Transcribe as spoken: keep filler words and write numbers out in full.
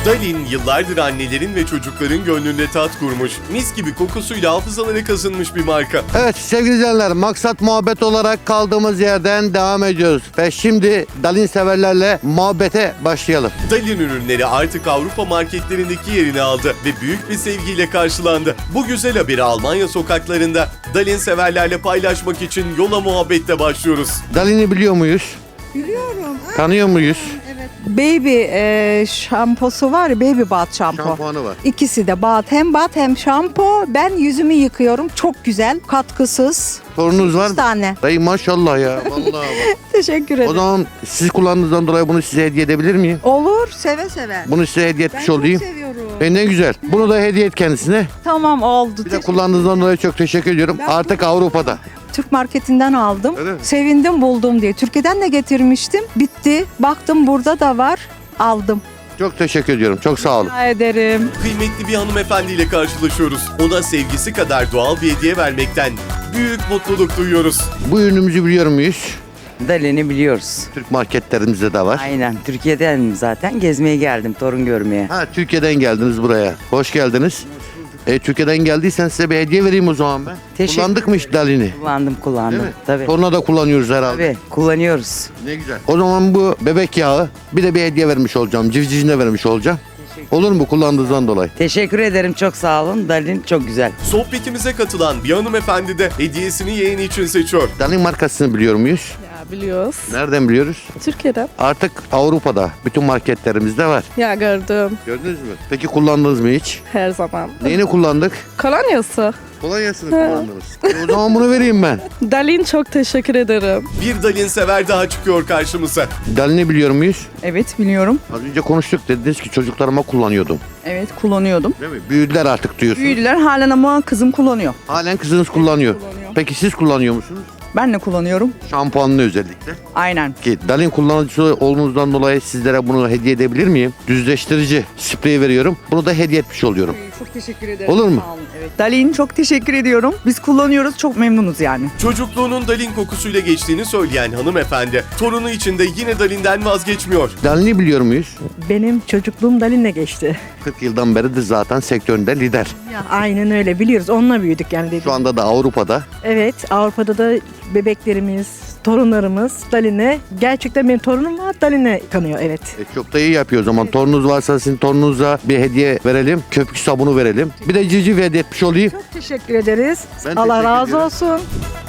Dalin yıllardır annelerin ve çocukların gönlünde tat kurmuş, mis gibi kokusuyla hafızalara kazınmış bir marka. Evet sevgili izleyenler, maksat muhabbet olarak kaldığımız yerden devam ediyoruz. Ve şimdi Dalin severlerle muhabbete başlayalım. Dalin ürünleri artık Avrupa marketlerindeki yerini aldı ve büyük bir sevgiyle karşılandı. Bu güzel haberi Almanya sokaklarında Dalin severlerle paylaşmak için yola muhabbette başlıyoruz. Dalin'i biliyor muyuz? Biliyorum. Tanıyor muyuz? Evet. Baby e, şamposu var ya, baby bath şampo. Şampuanı var. İkisi de bath, hem bath hem şampo. Ben yüzümü yıkıyorum. Çok güzel. Katkısız. Sorunuz var Bir mı? tane. Dayı maşallah ya. Vallahi bak. Teşekkür ederim. O zaman siz kullandığınızdan dolayı bunu size hediye edebilir miyim? Olur. Seve seve. Bunu size hediye Ben etmiş çok olayım. seviyorum. E ne güzel. Bunu da hediye et kendisine. Tamam oldu. Bir de kullandığınızdan dolayı çok teşekkür ediyorum. Ben Artık bunu- Avrupa'da. Türk marketinden aldım. Öyle mi? Sevindim buldum diye. Türkiye'den de getirmiştim. Bitti. Baktım burada da var. Aldım. Çok teşekkür ediyorum. Çok sağ olun. Rica ederim. Kıymetli bir hanımefendiyle karşılaşıyoruz. Ona sevgisi kadar doğal bir hediye vermekten büyük mutluluk duyuyoruz. Bu ürünümüzü biliyor muyuz? Dalin'i biliyoruz. Türk marketlerimizde de var. Aynen. Türkiye'den zaten gezmeye geldim, torun görmeye. Ha, Türkiye'den geldiniz buraya. Hoş geldiniz. E, Türkiye'den geldiysen size bir hediye vereyim o zaman ben. Teşekkür Kullandık mı hiç Dalin'i? Kullandım, Değil kullandım. mi? Tabii. Toruna da kullanıyoruz herhalde. Tabii, kullanıyoruz. Ne güzel. O zaman bu bebek yağı bir de bir hediye vermiş olacağım. Civcivine vermiş olacağım. Olur mu kullandığınızdan dolayı? Teşekkür ederim, çok sağ olun. Dalin çok güzel. Sohbetimize katılan bir hanımefendi de hediyesini yeğeni için seçiyor. Dalin markasını biliyor muyuz? Ya biliyoruz. Nereden biliyoruz? Türkiye'den. Artık Avrupa'da bütün marketlerimizde var. Ya gördüm Gördünüz mü? Peki kullandınız mı hiç? her zaman. Neyini kullandık? Kolonyası. Kolonyasını kullandınız. E, o zaman bunu vereyim ben. Dalin çok teşekkür ederim. Bir Dalin sever daha çıkıyor karşımıza. Dalin'i biliyor muyuz? Evet biliyorum. Az önce konuştuk, dediniz ki çocuklarıma kullanıyordum. Evet kullanıyordum. Değil mi? Büyüdüler artık diyorsunuz. Büyüdüler halen ama kızım kullanıyor. Halen kızınız kullanıyor. kullanıyor. Peki siz kullanıyor musunuz? Ben de kullanıyorum. Şampuanını özellikle. Aynen. Ki Dalin kullanıcısı olduğunuzdan dolayı sizlere bunu hediye edebilir miyim? Düzleştirici spreyi veriyorum. Bunu da hediye etmiş oluyorum. Çok teşekkür ederim. Olur mu? Sağ olun. Evet. Dalin çok teşekkür ediyorum. Biz kullanıyoruz, çok memnunuz yani. Çocukluğunun Dalin kokusuyla geçtiğini söyleyen hanımefendi, torunu için de yine Dalin'den vazgeçmiyor. Dalin'i biliyor muyuz? Benim çocukluğum Dalin'le geçti. kırk yıldan beridir zaten sektöründe lider. Ya, aynen öyle, biliyoruz. Onunla büyüdük yani dedim. Şu anda da Avrupa'da. Evet, Avrupa'da da bebeklerimiz, torunlarımız Dalin'e, gerçekten benim torunum var, Dalin'e kanıyor, evet. E, çok da iyi yapıyor o zaman. Torununuz varsa sizin torununuza bir hediye verelim. Köpük sabunu verelim. Bir de civciv hediye etmiş olayım. Çok teşekkür ederiz. Ben Allah teşekkür razı ediyorum. olsun.